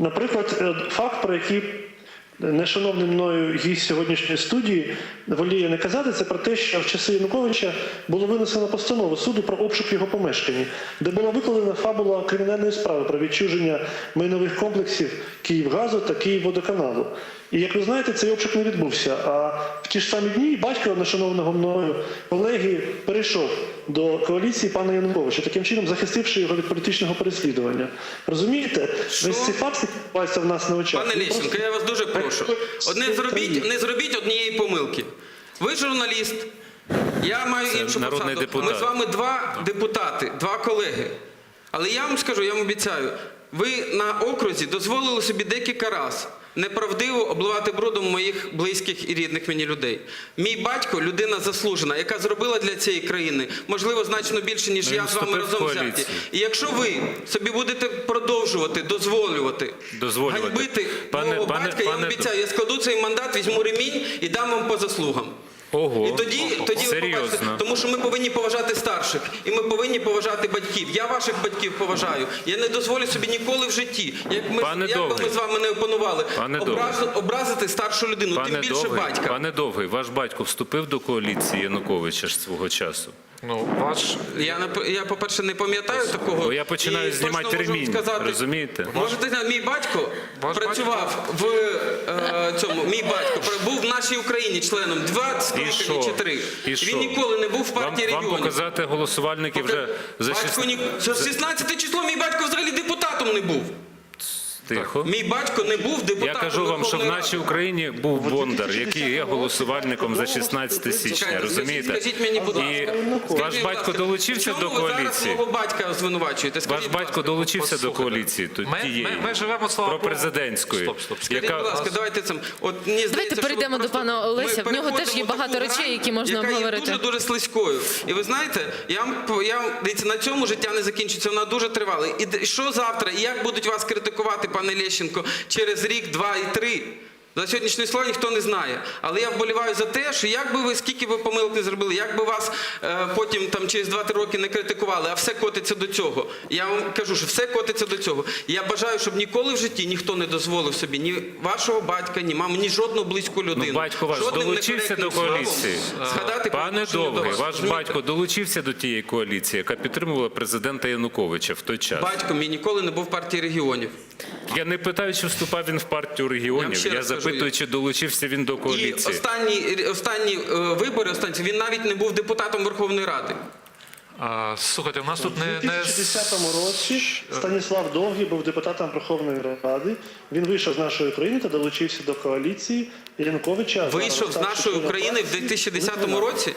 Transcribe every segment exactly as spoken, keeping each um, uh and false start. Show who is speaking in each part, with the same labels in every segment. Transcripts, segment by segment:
Speaker 1: Наприклад, факт, про який нешановний мною гість сьогоднішньої студії воліє не казати, це про те, що в часи Януковича було винесено постанову суду про обшук його помешкання, де була викладена фабула кримінальної справи про відчуження майнових комплексів «Київгазу» та «Київводоканалу». І, як ви знаєте, цей обшук не відбувся. А в ті ж самі дні батько нешановного мною колеги перейшов до коаліції пана Януковича, таким чином захистивши його від політичного переслідування. Розумієте? Весь цей факт відбувається в нас на очах.
Speaker 2: Пане Лещенко, я вас дуже прошу. От не зробіть, не зробіть однієї помилки. Ви журналіст, я маю
Speaker 3: Це
Speaker 2: іншу
Speaker 3: народний
Speaker 2: посаду.
Speaker 3: депутат.
Speaker 2: Ми з вами два депутати, два колеги. Але я вам скажу, я вам обіцяю, ви на окрузі дозволили собі декілька разів неправдиво обливати брудом моїх близьких і рідних мені людей. Мій батько – людина заслужена, яка зробила для цієї країни, можливо, значно більше, ніж
Speaker 3: Ну,
Speaker 2: я з вами разом взяті. І якщо ви собі будете продовжувати, дозволювати,
Speaker 3: Дозволювати.
Speaker 2: ганьбити
Speaker 3: Пане-
Speaker 2: мого
Speaker 3: пане-
Speaker 2: батька, я вам
Speaker 3: пане-
Speaker 2: обіцяю, я складу цей мандат, візьму ремінь і дам вам по заслугам.
Speaker 3: Ого,
Speaker 2: І тоді, тоді ви побачите,
Speaker 3: серйозно.
Speaker 2: тому що ми повинні поважати старших, і ми повинні поважати батьків. Я ваших батьків поважаю. Я не дозволю собі ніколи в житті, як, ми,
Speaker 3: Пане
Speaker 2: як би
Speaker 3: Довгий.
Speaker 2: ми з вами не опанували,
Speaker 3: Пане
Speaker 2: образ,
Speaker 3: Довгий.
Speaker 2: образити старшу людину, тим
Speaker 3: Пане
Speaker 2: більше
Speaker 3: Довгий,
Speaker 2: батька.
Speaker 3: пане Довгий, ваш батько вступив до коаліції Януковича ж свого часу?
Speaker 4: Ну, ваш...
Speaker 2: Я, не- я по-перше, не пам'ятаю такого.
Speaker 3: Бо я починаю
Speaker 2: І
Speaker 3: знімати
Speaker 2: точно можу
Speaker 3: ремінь,
Speaker 2: сказати,
Speaker 3: розумієте?
Speaker 2: Можете знати, мій батько
Speaker 4: Ваш
Speaker 2: працював в е, цьому, мій батько був в нашій Україні членом два скликання
Speaker 3: що?
Speaker 2: чи три.
Speaker 3: І що?
Speaker 2: Він ніколи не був в
Speaker 3: Вам,
Speaker 2: партії
Speaker 3: вам
Speaker 2: регіонів.
Speaker 3: показати голосувальників вже за
Speaker 2: Батько ні... За шістнадцяте число мій батько взагалі депутатом не був.
Speaker 3: Тихо.
Speaker 2: Мій батько не був депутатом.
Speaker 3: Я кажу вам, що в
Speaker 2: Верховної
Speaker 3: нашій
Speaker 2: Ради.
Speaker 3: Україні був Бондар, який є голосувальником за шістнадцяте січня,
Speaker 2: Чекайте,
Speaker 3: розумієте?
Speaker 2: Скажіть мені, будь ласка.
Speaker 3: І
Speaker 2: Скажіть,
Speaker 3: ваш
Speaker 2: будь
Speaker 3: батько
Speaker 2: ласка,
Speaker 3: долучився
Speaker 2: в
Speaker 3: до
Speaker 2: чому ви зараз
Speaker 3: коаліції?
Speaker 2: мого батька звинувачуєте?
Speaker 3: Ваш
Speaker 2: Скажіть, будь
Speaker 3: батько
Speaker 2: ласка.
Speaker 3: долучився до
Speaker 4: Послухайте.
Speaker 3: коаліції тут,
Speaker 4: Ми-
Speaker 3: тієї,
Speaker 4: ми- ми живемо, слава
Speaker 3: про
Speaker 4: Богу.
Speaker 3: президентської,
Speaker 4: Стоп, стоп, скажіть,
Speaker 2: Скажіть, будь
Speaker 3: яка...
Speaker 2: ласка, давайте цим. От мені здається,
Speaker 5: Давайте
Speaker 2: що
Speaker 5: перейдемо
Speaker 2: ви
Speaker 5: до
Speaker 2: просто-
Speaker 5: пана Олеся.
Speaker 2: ми
Speaker 5: В нього теж є
Speaker 2: переходимо
Speaker 5: багато
Speaker 2: таку
Speaker 5: речей,
Speaker 2: грань,
Speaker 5: які можна
Speaker 2: яка
Speaker 5: обговорити.
Speaker 2: є дуже-дуже слизькою. І ви знаєте, я вам, я, вам- дивіться, на цьому життя не закінчиться, вона дуже тривала. І д- що завтра, і як будуть вас критикувати, пане Лещенко, через рік, два і три? За сьогоднішнє слово ніхто не знає. Але я вболіваю за те, що як би ви, скільки ви помилок не зробили, як би вас е, потім там, через два-три роки не критикували, а все котиться до цього. Я вам кажу, що все котиться до цього. І я бажаю, щоб ніколи в житті ніхто не дозволив собі ні вашого батька, ні мами, ні жодну близьку людину.
Speaker 3: Ну, батько ваш
Speaker 2: жодним
Speaker 3: долучився до
Speaker 2: некоректним
Speaker 3: коаліції?
Speaker 2: словом згадати по
Speaker 3: Пане
Speaker 2: відношенню до
Speaker 3: Довгий,
Speaker 2: вас.
Speaker 3: ваш
Speaker 2: Розумієте?
Speaker 3: батько долучився до тієї коаліції, яка підтримувала президента Януковича в той час?
Speaker 2: Батько мій ніколи не був в партії регіонів.
Speaker 3: Я не питаю, чи вступав він в партію
Speaker 2: Я
Speaker 3: регіонів,
Speaker 2: вам ще
Speaker 3: я
Speaker 2: раз кажу,
Speaker 3: запитую, чи долучився він до
Speaker 2: І
Speaker 3: коаліції.
Speaker 2: останні, останні е, вибори, останні, він навіть не був депутатом Верховної Ради.
Speaker 4: А, слухайте, у нас тут
Speaker 1: У
Speaker 4: не...
Speaker 1: дві
Speaker 4: не...
Speaker 1: тисячі десятому році Станіслав Довгий був депутатом Верховної Ради. Він вийшов з нашої країни та долучився до коаліції Януковича.
Speaker 2: Вийшов з нашої України в дві тисячі десятому році?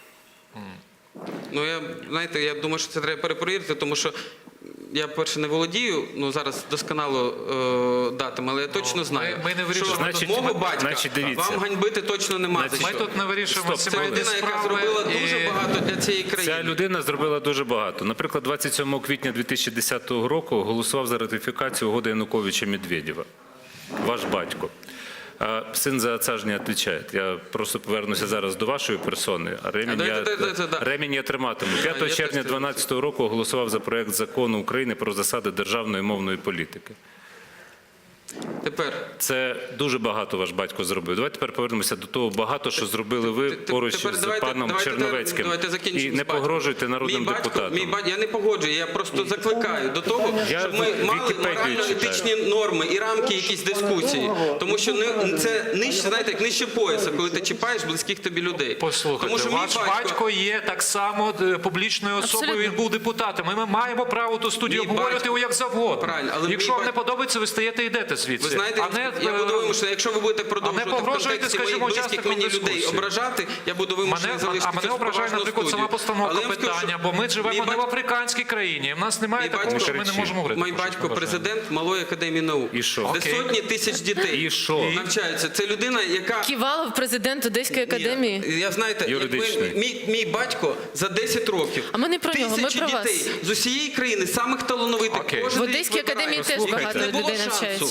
Speaker 2: Ну, я, знаєте, я думаю, що це треба перепровірити, тому що я, перше, не володію, ну, зараз досконало е, датами, але я точно знаю,
Speaker 4: ми не вирішуємо
Speaker 2: що
Speaker 3: тут-
Speaker 2: мого
Speaker 3: Значить,
Speaker 2: батька
Speaker 3: значить, дивіться.
Speaker 2: вам ганьбити точно нема за
Speaker 3: Значить,
Speaker 4: Ми
Speaker 2: що.
Speaker 4: тут не вирішуємо
Speaker 3: Стоп,
Speaker 4: сімейні
Speaker 2: Людина, яка
Speaker 4: справи
Speaker 2: зробила
Speaker 4: і-
Speaker 2: дуже багато для цієї країни.
Speaker 3: Ця людина зробила дуже багато. Наприклад, двадцять сьомого квітня дві тисячі десятого року голосував за ратифікацію угоди Януковича-Медведєва. Ваш батько. А син за отца ж не відповідає. Я просто повернуся зараз до вашої персони. А ремінь,
Speaker 2: А,
Speaker 3: я,
Speaker 2: да, да, да, да.
Speaker 3: ремінь я триматиму.
Speaker 2: я
Speaker 3: п'ятого
Speaker 2: теж
Speaker 3: червня
Speaker 2: це-
Speaker 3: дві тисячі дванадцятого року голосував за проект закону України про засади державної мовної політики.
Speaker 2: Тепер.
Speaker 3: Це дуже багато ваш батько зробив. Давайте тепер повернемося до того багато, що зробили ви
Speaker 2: Те- те-
Speaker 3: поруч
Speaker 2: тепер
Speaker 3: з
Speaker 2: давайте-
Speaker 3: паном
Speaker 2: давайте-
Speaker 3: Черновецьким.
Speaker 2: давайте закінчимо
Speaker 3: І
Speaker 2: з
Speaker 3: не
Speaker 2: батьком.
Speaker 3: погрожуйте народним
Speaker 2: Мій батько-
Speaker 3: депутатам.
Speaker 2: Мій батько, я не погоджую, я просто закликаю до того,
Speaker 3: Я
Speaker 2: щоб ми
Speaker 3: в
Speaker 2: мали
Speaker 3: Вікіпедію
Speaker 2: морально-етичні норми і рамки якісь дискусії. Тому що не- це нижче, знаєте, як нижче пояса, коли ти чіпаєш близьких тобі людей.
Speaker 4: Послухайте,
Speaker 2: Тому що мій
Speaker 4: ваш батько є так само е, публічною особою,
Speaker 5: Абсолютно.
Speaker 4: він був депутатом. І ми маємо право ту студію
Speaker 2: Мій
Speaker 4: обговорювати
Speaker 2: батько-
Speaker 4: його як завгодно.
Speaker 2: Правильно, але
Speaker 4: Якщо
Speaker 2: мій
Speaker 4: вам не
Speaker 2: батько-
Speaker 4: подобається, ви стаєте і йдете звідси.
Speaker 2: Ви знаєте,
Speaker 4: а не,
Speaker 2: я буду
Speaker 4: е,
Speaker 2: вимушений, якщо ви будете продовжувати в
Speaker 4: погрожуйте,
Speaker 2: контексті моїх
Speaker 4: скажімо,
Speaker 2: близьких
Speaker 4: учасникам
Speaker 2: мені людей
Speaker 4: дискусії.
Speaker 2: ображати, я буду вимушений
Speaker 4: Мене,
Speaker 2: залишити
Speaker 4: а мене
Speaker 2: цю
Speaker 4: ображає,
Speaker 2: поважну
Speaker 4: наприклад,
Speaker 2: студію.
Speaker 4: сама постановка
Speaker 2: Але я вам скажу,
Speaker 4: питання,
Speaker 2: що
Speaker 4: бо ми живемо
Speaker 2: мій
Speaker 4: не в
Speaker 2: батько-
Speaker 4: африканській країні. В нас немає
Speaker 2: Мій
Speaker 4: такого,
Speaker 2: батько-
Speaker 4: що ми не можемо говорити.
Speaker 2: Мій
Speaker 4: про щось
Speaker 2: батько
Speaker 4: побажане.
Speaker 2: президент Малої академії наук,
Speaker 3: І що?
Speaker 2: де
Speaker 4: Окей.
Speaker 2: сотні тисяч дітей
Speaker 3: І що?
Speaker 2: навчаються. Це людина, яка
Speaker 5: Ківалов, президент Одеської академії.
Speaker 2: Ні, я знаєте,
Speaker 3: Юридичний.
Speaker 2: якби мій, мій батько за десять років
Speaker 5: А ми не про нього, ми
Speaker 2: тисячі
Speaker 5: про вас.
Speaker 2: дітей з усієї країни, самих талановитих.
Speaker 4: Окей.
Speaker 2: кожен
Speaker 5: В
Speaker 2: рік
Speaker 5: Одеській
Speaker 2: вибирає.
Speaker 5: академії теж
Speaker 3: Послухайте.
Speaker 5: багато
Speaker 2: Не було
Speaker 5: людей
Speaker 2: шансу.
Speaker 5: навчається.
Speaker 3: Пане
Speaker 2: І діти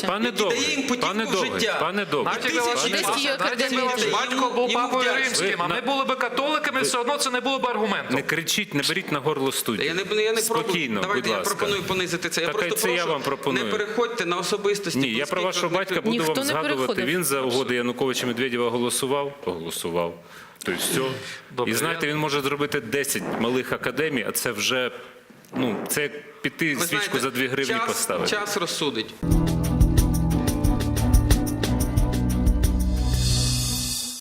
Speaker 2: дає їм
Speaker 3: Пане
Speaker 2: путівку в
Speaker 3: Довгий,
Speaker 2: життя.
Speaker 3: пане Довгий,
Speaker 4: Навіть якби ваш,
Speaker 2: Тисячі
Speaker 5: Одеській
Speaker 2: людей.
Speaker 4: навіть якби ваш
Speaker 5: академії.
Speaker 4: батько був
Speaker 2: Йому
Speaker 4: папою
Speaker 2: вдячні.
Speaker 4: римським, а
Speaker 3: Ви
Speaker 4: ми
Speaker 3: на-
Speaker 4: були би католиками, все одно це не було б аргументом.
Speaker 3: не кричіть, не беріть на горло студію.
Speaker 2: Я не, я не пробую.
Speaker 3: Спокійно,
Speaker 2: Давайте
Speaker 3: будь
Speaker 2: я
Speaker 3: ласка.
Speaker 2: пропоную понизити це. Я
Speaker 3: Так,
Speaker 2: просто
Speaker 3: це
Speaker 2: прошу,
Speaker 3: я вам пропоную.
Speaker 2: не переходьте на особистості.
Speaker 3: Ні, я
Speaker 2: близьких
Speaker 3: про вашого
Speaker 2: родних
Speaker 3: батька буду
Speaker 5: Ніхто
Speaker 3: вам
Speaker 5: не
Speaker 3: згадувати.
Speaker 5: переходив.
Speaker 3: Він за угоди Януковича Медведєва голосував, голосував. Тобто все.
Speaker 4: Добре,
Speaker 3: І знаєте,
Speaker 4: я-
Speaker 3: він може зробити десять малих академій, а це вже, ну, це як піти
Speaker 2: Ви
Speaker 3: свічку
Speaker 2: знаєте,
Speaker 3: за дві гривні
Speaker 2: час,
Speaker 3: поставити.
Speaker 2: Час розсудить.